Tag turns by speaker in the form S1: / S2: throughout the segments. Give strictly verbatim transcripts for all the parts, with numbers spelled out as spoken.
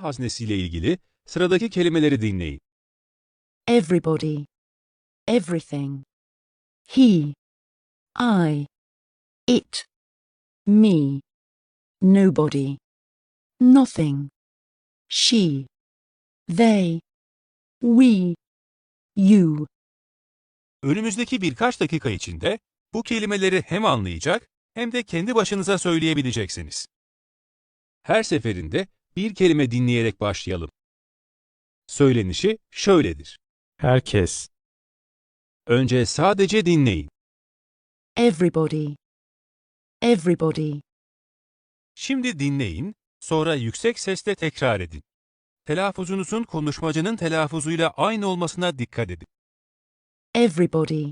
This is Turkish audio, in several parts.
S1: haznesiyle ilgili sıradaki kelimeleri dinleyin.
S2: Everybody. Everything. He. I. It. Me. Nobody. Nothing. She. They. We. You.
S1: Önümüzdeki birkaç dakika içinde bu kelimeleri hem anlayacak hem de kendi başınıza söyleyebileceksiniz. Her seferinde bir kelime dinleyerek başlayalım. Söylenişi şöyledir.
S3: Herkes.
S1: Önce sadece dinleyin.
S2: Everybody. Everybody.
S1: Şimdi dinleyin, sonra yüksek sesle tekrar edin. Telaffuzunuzun konuşmacının telaffuzuyla aynı olmasına dikkat edin.
S2: Everybody.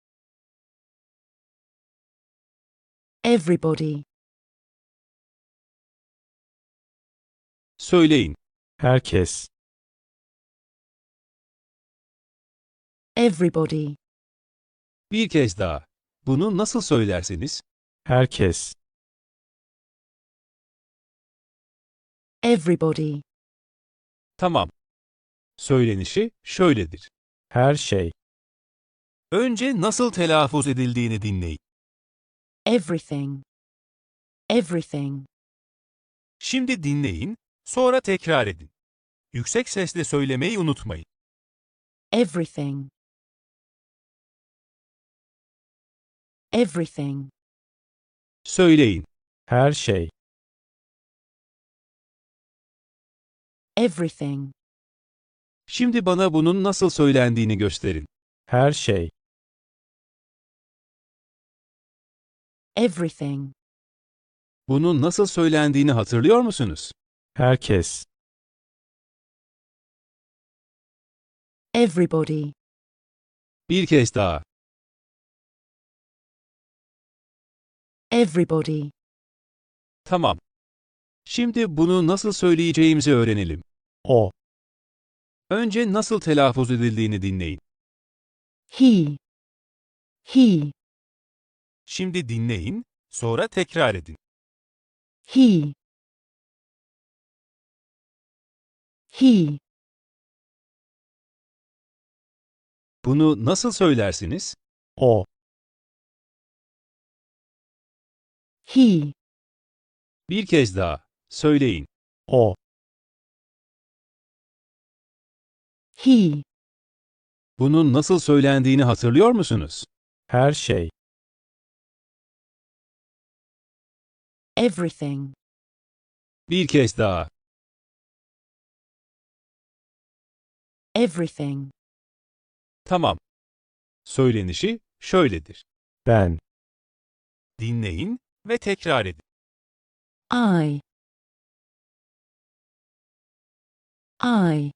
S2: Everybody.
S1: Söyleyin.
S3: Herkes.
S2: Everybody.
S1: Bir kez daha. Bunu nasıl söylerseniz,
S3: Herkes.
S2: Everybody.
S1: tamam. Söylenişi şöyledir.
S3: Her şey.
S1: Önce nasıl telaffuz edildiğini dinleyin.
S2: Everything. Everything.
S1: Şimdi dinleyin, sonra tekrar edin. Yüksek sesle söylemeyi unutmayın.
S2: Everything. Everything.
S1: Söyleyin.
S3: Her şey.
S2: Everything.
S1: Şimdi bana bunun nasıl söylendiğini gösterin.
S3: Her şey.
S2: Everything.
S1: Bunun nasıl söylendiğini hatırlıyor musunuz?
S3: Herkes.
S2: Everybody.
S1: Bir kez daha.
S2: Everybody.
S1: Tamam. Şimdi bunu nasıl söyleyeceğimizi öğrenelim.
S3: O.
S1: Önce nasıl telaffuz edildiğini dinleyin.
S2: He. He.
S1: Şimdi dinleyin, sonra tekrar edin.
S2: He. He.
S1: Bunu nasıl söylersiniz?
S3: O.
S2: He.
S1: Bir kez daha. Söyleyin.
S3: O.
S2: He.
S1: Bunun nasıl söylendiğini hatırlıyor musunuz?
S3: Her şey.
S2: Everything.
S1: Bir kez daha.
S2: Everything.
S1: Tamam. Söylenişi şöyledir.
S3: Ben.
S1: Dinleyin ve tekrar edin.
S2: I. I.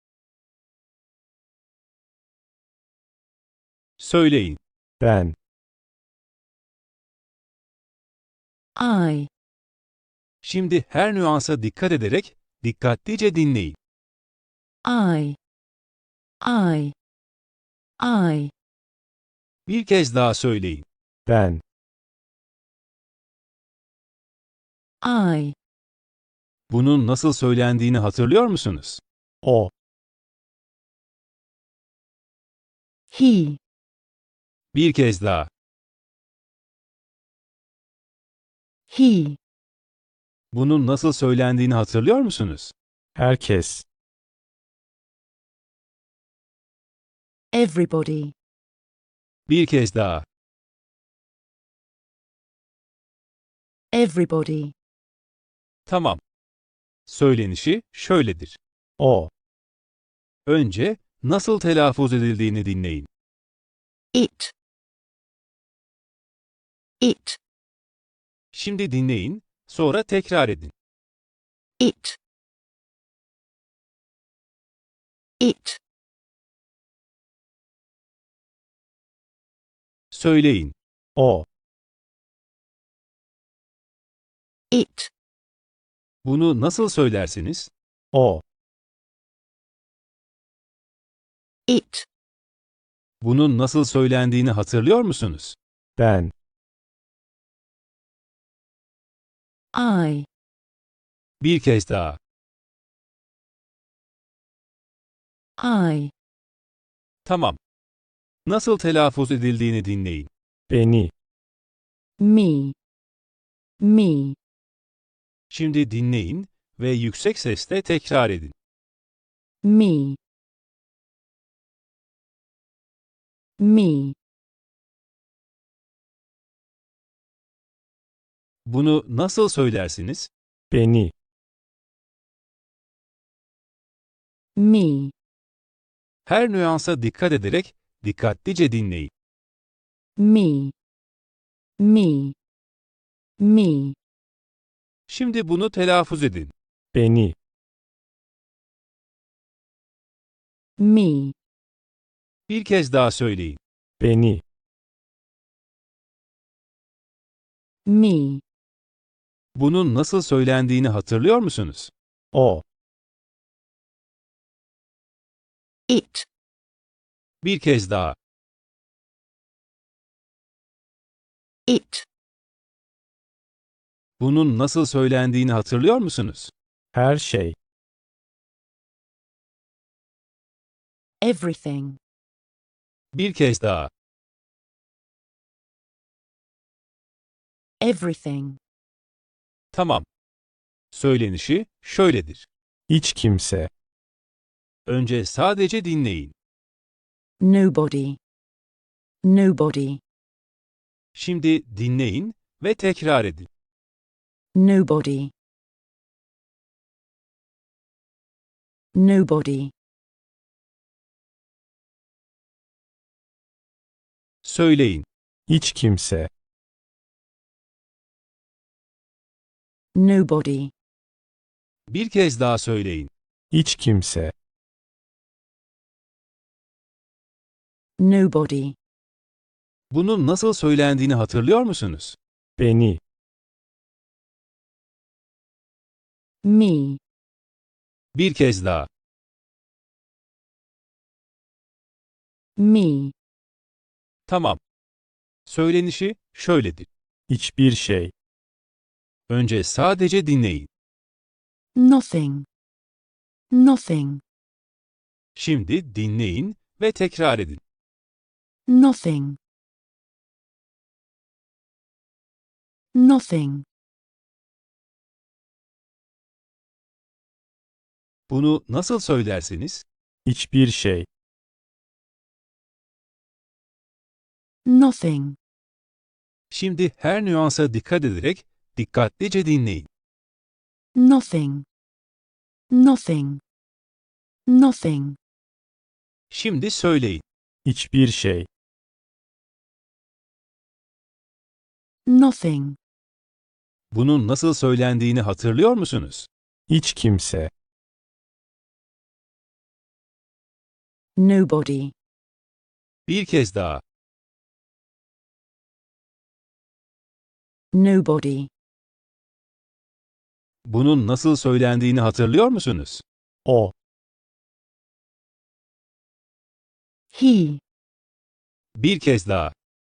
S1: Söyleyin.
S3: Ben.
S2: I.
S1: Şimdi her nüansa dikkat ederek dikkatlice dinleyin.
S2: I. I. I.
S1: Bir kez daha söyleyin.
S3: Ben.
S2: I.
S1: Bunun nasıl söylendiğini hatırlıyor musunuz?
S3: O.
S2: He.
S1: Bir kez daha.
S2: He.
S1: Bunun nasıl söylendiğini hatırlıyor musunuz?
S3: Herkes.
S2: Everybody.
S1: Bir kez daha.
S2: Everybody.
S1: Tamam. Söylenişi şöyledir.
S3: O.
S1: Önce nasıl telaffuz edildiğini dinleyin.
S2: It. It.
S1: Şimdi dinleyin, sonra tekrar edin.
S2: It. It.
S1: Söyleyin.
S3: O.
S2: It.
S1: Bunu nasıl söylersiniz?
S3: O.
S2: It.
S1: Bunun nasıl söylendiğini hatırlıyor musunuz?
S3: Ben.
S2: I.
S1: Bir kez daha.
S2: I,
S1: Tamam. Nasıl telaffuz edildiğini dinleyin.
S3: beni,
S2: me, me,
S1: Şimdi dinleyin ve yüksek sesle tekrar edin.
S2: me, me,
S1: Bunu nasıl söylersiniz?
S3: beni,
S2: me,
S1: Her nüansa dikkat ederek dikkatlice dinleyin.
S2: me, me, me,
S1: Şimdi bunu telaffuz edin.
S3: beni,
S2: me,
S1: Bir kez daha söyleyin.
S3: beni,
S2: me,
S1: Bunun nasıl söylendiğini hatırlıyor musunuz?
S3: o,
S2: it,
S1: Bir kez daha.
S2: it,
S1: Bunun nasıl söylendiğini hatırlıyor musunuz?
S3: her şey,
S2: everything,
S1: Bir kez daha.
S2: everything,
S1: Tamam. Söylenişi şöyledir.
S3: hiç kimse,
S1: Önce sadece dinleyin.
S2: nobody, nobody,
S1: Şimdi dinleyin ve tekrar edin.
S2: nobody, nobody,
S1: Söyleyin.
S3: hiç kimse,
S2: nobody,
S1: Bir kez daha söyleyin.
S3: hiç kimse,
S2: nobody,
S1: Bunun nasıl söylendiğini hatırlıyor musunuz?
S3: beni,
S2: me,
S1: Bir kez daha.
S2: me,
S1: Tamam. Söylenişi şöyledir.
S3: hiçbir şey,
S1: Önce sadece dinleyin.
S2: nothing, nothing,
S1: Şimdi dinleyin ve tekrar edin.
S2: nothing, nothing,
S1: Bunu nasıl söylersiniz?
S3: hiçbir şey,
S2: nothing,
S1: Şimdi her nüansa dikkat ederek dikkatlice dinleyin.
S2: nothing, nothing, nothing,
S1: Şimdi söyleyin.
S3: hiçbir şey,
S2: nothing,
S1: Bunun nasıl söylendiğini hatırlıyor musunuz?
S3: hiç kimse,
S2: nobody,
S1: Bir kez daha.
S2: nobody,
S1: Bunun nasıl söylendiğini hatırlıyor musunuz?
S3: o,
S2: he,
S1: Bir kez daha.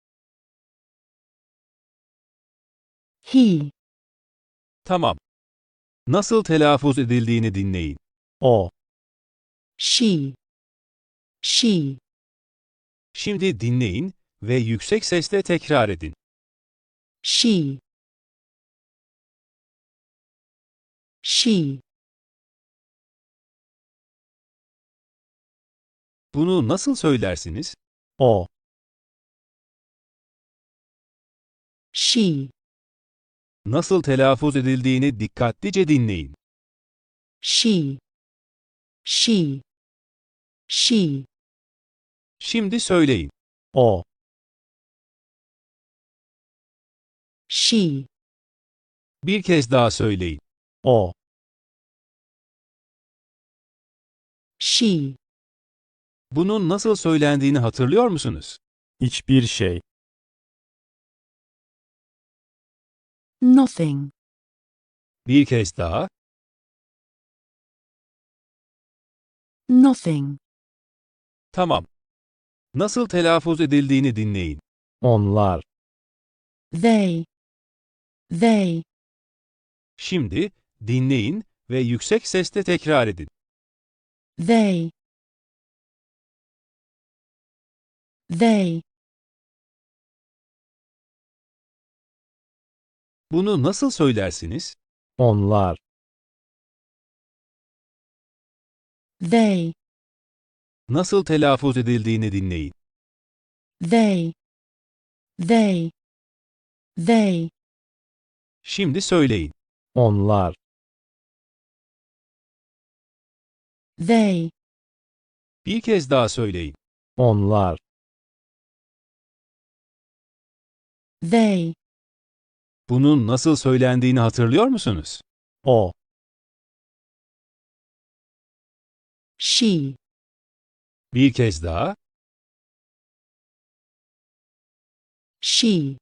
S2: he,
S1: Tamam. Nasıl telaffuz edildiğini dinleyin.
S3: o,
S2: she, she,
S1: Şimdi dinleyin ve yüksek sesle tekrar edin.
S2: she, she,
S1: Bunu nasıl söylersiniz?
S3: o,
S2: she,
S1: Nasıl telaffuz edildiğini dikkatlice dinleyin.
S2: she, she, she,
S1: Şimdi söyleyin.
S3: o,
S2: she,
S1: Bir kez daha söyleyin.
S3: o,
S2: she,
S1: Bunun nasıl söylendiğini hatırlıyor musunuz?
S3: hiçbir şey,
S2: nothing,
S1: Bir kez daha.
S2: nothing,
S1: Tamam. Nasıl telaffuz edildiğini dinleyin.
S3: onlar,
S2: they, they,
S1: Şimdi dinleyin ve yüksek sesle tekrar edin.
S2: they, They.
S1: Bunu nasıl söylersiniz?
S3: Onlar.
S2: They.
S1: Nasıl telaffuz edildiğini dinleyin.
S2: They. They. They.
S1: Şimdi söyleyin.
S3: Onlar.
S2: They.
S1: Bir kez daha söyleyin.
S3: Onlar.
S2: They.
S1: Bunun nasıl söylendiğini hatırlıyor musunuz?
S3: O.
S2: She.
S1: Bir kez daha.
S2: She.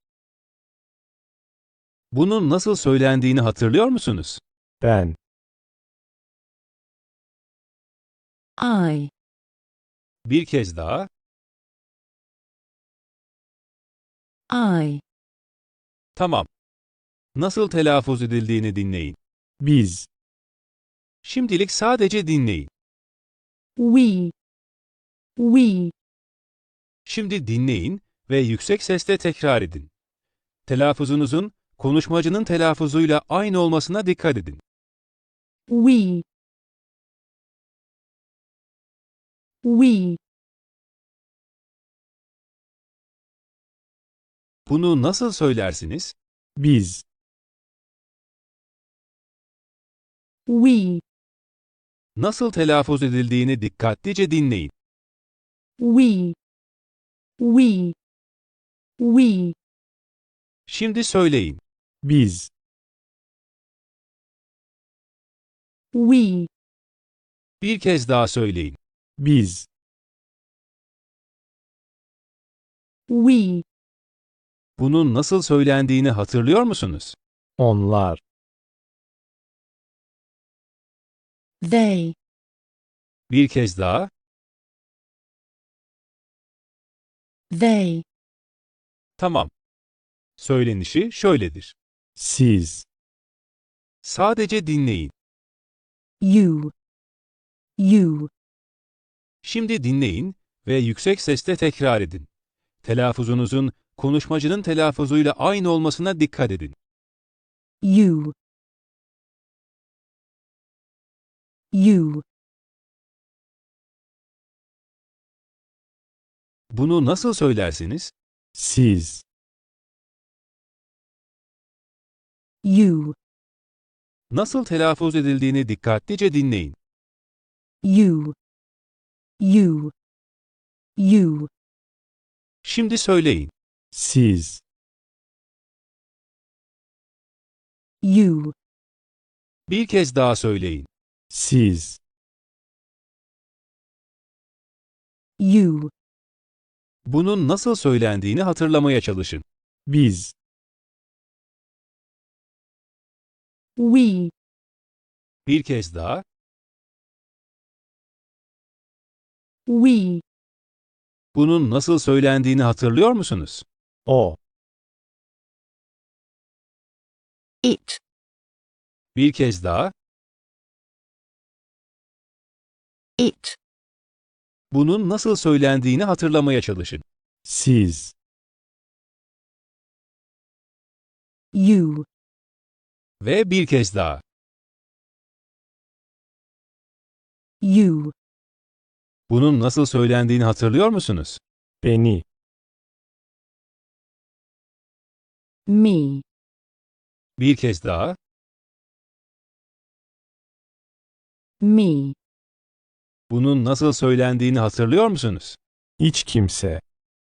S1: Bunun nasıl söylendiğini hatırlıyor musunuz?
S3: Ben.
S2: I.
S1: Bir kez daha.
S2: I.
S1: Tamam. Nasıl telaffuz edildiğini dinleyin.
S3: Biz.
S1: Şimdilik sadece dinleyin.
S2: We. We.
S1: Şimdi dinleyin ve yüksek sesle tekrar edin. Telaffuzunuzun konuşmacının telaffuzuyla aynı olmasına dikkat edin.
S2: We. We.
S1: Bunu nasıl söylersiniz?
S3: Biz.
S2: We.
S1: Nasıl telaffuz edildiğini dikkatlice dinleyin.
S2: We. We. We.
S1: Şimdi söyleyin.
S3: Biz.
S2: We.
S1: Bir kez daha söyleyin.
S3: Biz.
S2: We.
S1: Bunun nasıl söylendiğini hatırlıyor musunuz?
S3: Onlar.
S2: They.
S1: Bir kez daha.
S2: They.
S1: Tamam. Söylenişi şöyledir.
S3: Siz.
S1: Sadece dinleyin.
S2: You. You.
S1: Şimdi dinleyin ve yüksek sesle tekrar edin. Telaffuzunuzun konuşmacının telaffuzuyla aynı olmasına dikkat edin.
S2: You. You.
S1: Bunu nasıl söylersiniz?
S3: Siz.
S2: You.
S1: Nasıl telaffuz edildiğini dikkatlice dinleyin.
S2: You. You. You.
S1: Şimdi söyleyin.
S3: Siz.
S2: You.
S1: Bir kez daha söyleyin.
S3: Siz.
S2: You.
S1: Bunun nasıl söylendiğini hatırlamaya çalışın.
S3: Biz.
S2: We.
S1: Bir kez daha.
S2: We.
S1: Bunun nasıl söylendiğini hatırlıyor musunuz?
S3: O.
S2: It.
S1: Bir kez daha.
S2: It.
S1: Bunun nasıl söylendiğini hatırlamaya çalışın.
S3: Siz.
S2: You.
S1: Ve bir kez daha.
S2: You.
S1: Bunun nasıl söylendiğini hatırlıyor musunuz?
S3: Beni.
S2: Me.
S1: Bir kez daha.
S2: Me.
S1: Bunun nasıl söylendiğini hatırlıyor musunuz?
S3: Hiç kimse.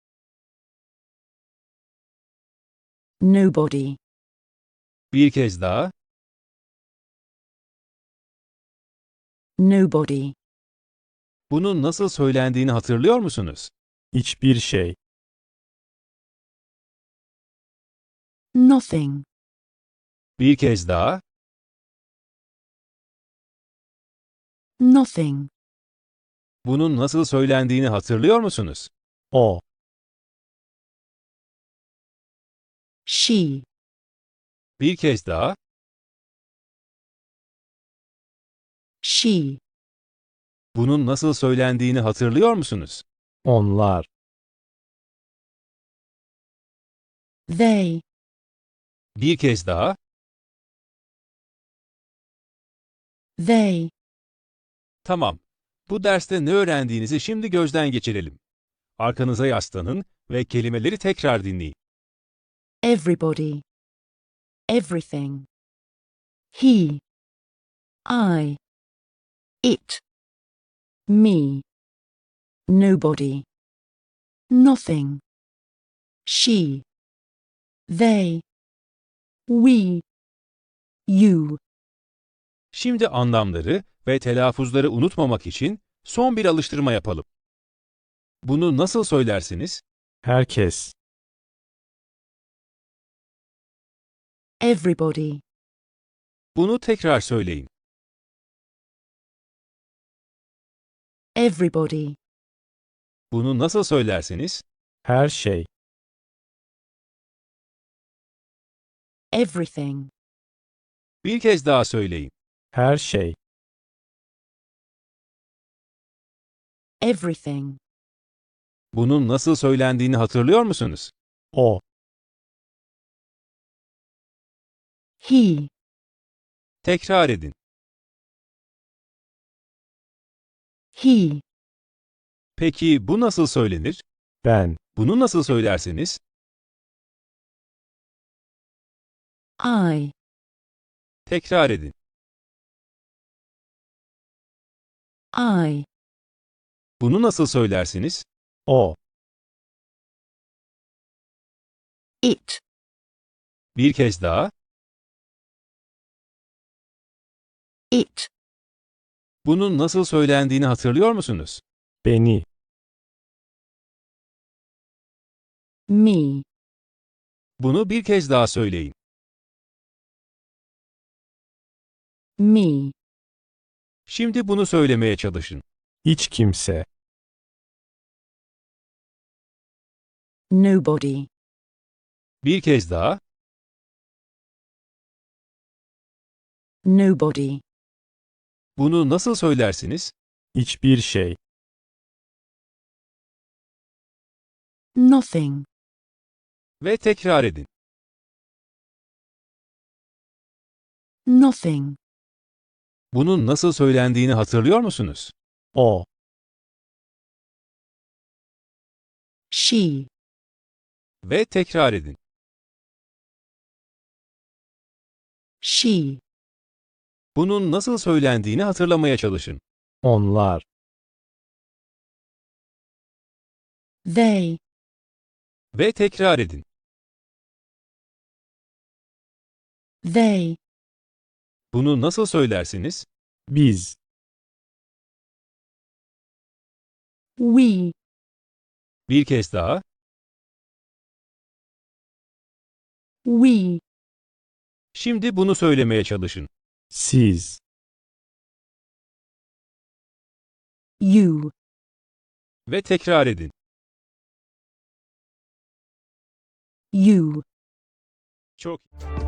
S2: Nobody.
S1: Bir kez daha.
S2: Nobody.
S1: Bunun nasıl söylendiğini hatırlıyor musunuz?
S3: Hiçbir şey.
S2: Nothing.
S1: Bir kez daha.
S2: Nothing.
S1: Bunun nasıl söylendiğini hatırlıyor musunuz?
S3: O.
S2: She.
S1: Bir kez daha.
S2: She.
S1: Bunun nasıl söylendiğini hatırlıyor musunuz?
S3: Onlar.
S2: They.
S1: Bir kez daha.
S2: They.
S1: Tamam. Bu derste ne öğrendiğinizi şimdi gözden geçirelim. Arkanıza yaslanın ve kelimeleri tekrar dinleyin.
S2: Everybody. Everything. He. I. It. Me. Nobody. Nothing. She. They. We. You.
S1: Şimdi anlamları ve telaffuzları unutmamak için son bir alıştırma yapalım. Bunu nasıl söylersiniz?
S3: Herkes.
S2: Everybody.
S1: Bunu tekrar söyleyin.
S2: Everybody.
S1: Bunu nasıl söylersiniz?
S3: Her şey.
S2: Everything.
S1: Bir kez daha söyleyin.
S3: Her şey.
S2: Everything.
S1: Bunun nasıl söylendiğini hatırlıyor musunuz?
S3: O.
S2: He.
S1: Tekrar edin.
S2: He.
S1: Peki bu nasıl söylenir?
S3: Ben.
S1: Bunu nasıl söylersiniz?
S2: I.
S1: Tekrar edin.
S2: I.
S1: Bunu nasıl söylersiniz?
S3: O.
S2: It.
S1: Bir kez daha.
S2: It.
S1: Bunun nasıl söylendiğini hatırlıyor musunuz?
S3: Beni.
S2: Me.
S1: Bunu bir kez daha söyleyin.
S2: Me.
S1: Şimdi bunu söylemeye çalışın.
S3: Hiç kimse.
S2: Nobody.
S1: Bir kez daha.
S2: Nobody.
S1: Bunu nasıl söylersiniz?
S3: Hiçbir şey.
S2: Nothing.
S1: Ve tekrar edin.
S2: Nothing.
S1: Bunun nasıl söylendiğini hatırlıyor musunuz?
S3: O.
S2: She.
S1: Ve tekrar edin.
S2: She.
S1: Bunun nasıl söylendiğini hatırlamaya çalışın.
S3: Onlar.
S2: They.
S1: Ve tekrar edin.
S2: They.
S1: Bunu nasıl söylersiniz?
S3: Biz.
S2: We.
S1: Bir kez daha.
S2: We.
S1: Şimdi bunu söylemeye çalışın.
S3: Siz.
S2: You.
S1: Ve tekrar edin.
S2: You.
S1: Çok